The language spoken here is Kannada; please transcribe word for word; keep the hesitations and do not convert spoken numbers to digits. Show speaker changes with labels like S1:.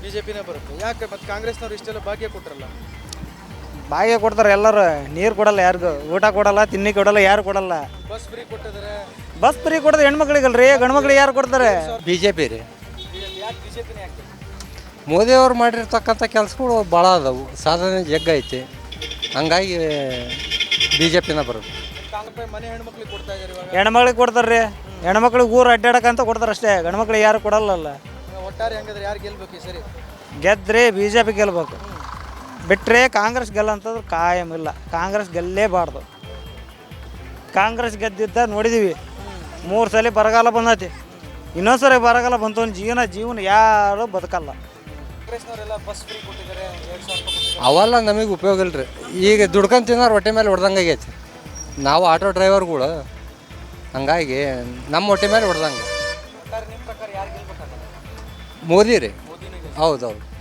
S1: ಬಿಜೆಪಿನೇ ಬರುತ್ತೆ. ಯಾಕೆ ಮತ್ತೆ ಕಾಂಗ್ರೆಸ್ನವ್ರು ಇಷ್ಟೆಲ್ಲ ಭಾಗ್ಯ ಕೊಟ್ರಲ್ಲ?
S2: ಭಾಗ್ಯ ಕೊಡ್ತಾರೆ ಎಲ್ಲರೂ, ನೀರು ಕೊಡಲ್ಲ ಯಾರಿಗೂ, ಊಟ ಕೊಡಲ್ಲ, ತಿನ್ನಿ ಕೊಡಲ್ಲ, ಯಾರು ಕೊಡಲ್ಲ.
S1: ಬಸ್ ಫ್ರೀ ಕೊಟ್ಟಿದ್ದಾರೆ.
S2: ಬಸ್ ಫ್ರೀ ಕೊಡೋದು ಹೆಣ್ಮಕ್ಳಿಗಲ್ರಿ, ಗಂಡು ಮಕ್ಳಿಗೆ ಯಾರು ಕೊಡ್ತಾರೆ?
S3: ಬಿ ಜೆ ಪಿ ರೀ.
S1: ಯಾಕೆ ಬಿಜೆಪಿನೇ ಯಾಕೆ?
S3: ಮೋದಿಯವ್ರು ಮಾಡಿರ್ತಕ್ಕಂಥ ಕೆಲಸಗಳು ಭಾಳ ಅದಾವು, ಸಾಧನೆ ಜಗ್ಗೈತಿ, ಹಂಗಾಗಿ ಬಿ ಜೆ ಪಿನ ಬರೋದು.
S1: ಕಾಂಗ್ರೆಸ್ ಮನೆ ಹೆಣ್ಮಕ್ಳಿಗೆ ಕೊಡ್ತಾ ಇದ್ದಾರೆ ಇವಾಗ.
S2: ಹೆಣ್ಮಕ್ಳಿಗೆ ಕೊಡ್ತಾರೆ ರೀ, ಹೆಣ್ಮಕ್ಳಿಗೆ ಊರು ಅಡ್ಡಾಡಕ್ಕಂತ ಕೊಡ್ತಾರೆ ಅಷ್ಟೇ, ಗಂಡು ಮಕ್ಳಿಗೆ ಯಾರು ಕೊಡಲ್ಲಲ್ಲ.
S1: ಒಟ್ಟಾರೆ ಹಂಗಾದ್ರೆ ಯಾರು ಗೆಲ್ಬೇಕು ಈ ಸರಿ?
S2: ಗೆದ್ದರೆ ಬಿ ಜೆ ಪಿ ಗೆಲ್ಬೇಕು, ಬಿಟ್ಟರೆ ಕಾಂಗ್ರೆಸ್ ಗೆಲ್ಲಂತಂದ್ರೆ ಕಾಯಂ ಇಲ್ಲ. ಕಾಂಗ್ರೆಸ್ ಗೆಲ್ಲೇಬಾರ್ದು. ಕಾಂಗ್ರೆಸ್ ಗೆದ್ದಿದ್ದ ನೋಡಿದ್ದೀವಿ, ಮೂರು ಸಲ ಬರಗಾಲ ಬಂದೈತಿ, ಇನ್ನೊಂದು ಸರಿ ಬರಗಾಲ ಬಂತು, ಜೀವನ ಜೀವನ ಯಾರು ಬದುಕಲ್ಲ.
S1: ಕಾಂಗ್ರೆಸ್ನವರೆಲ್ಲ ಬಸ್ ಫ್ರೀ ಕೊಟ್ಟಿದ್ದಾರೆ, ಎರಡು ಸಾವಿರ ರೂಪಾಯಿ ಕೊಟ್ಟಿದ್ದಾರೆ.
S3: ಅವೆಲ್ಲ ನಮಗೆ ಉಪಯೋಗ ಇಲ್ಲ ರೀ. ಈಗ ದುಡ್ಕೊಂಡು ತಿನ್ನೋರು ಹೊಟ್ಟೆ ಮೇಲೆ ಹೊಡೆದಂಗೆ ಆಗೈತಿ. ನಾವು ಆಟೋ ಡ್ರೈವರ್ಗಳು, ಹಂಗಾಗಿ ನಮ್ಮ ಹೊಟ್ಟೆ ಮೇಲೆ ಹೊಡೆದಂಗೆ.
S1: ಒಟ್ಟಾರೆ ನಿಮ್ಮ ಪ್ರಕಾರ ಯಾರು ಗೆಲ್ಬೇಕಾಗಲ್ಲ?
S3: ಮೋದಿ ರೀ.
S1: ಮೋದಿನೇ ಗೆಲ್ಬೇಕು.
S3: ಹೌದೌದು.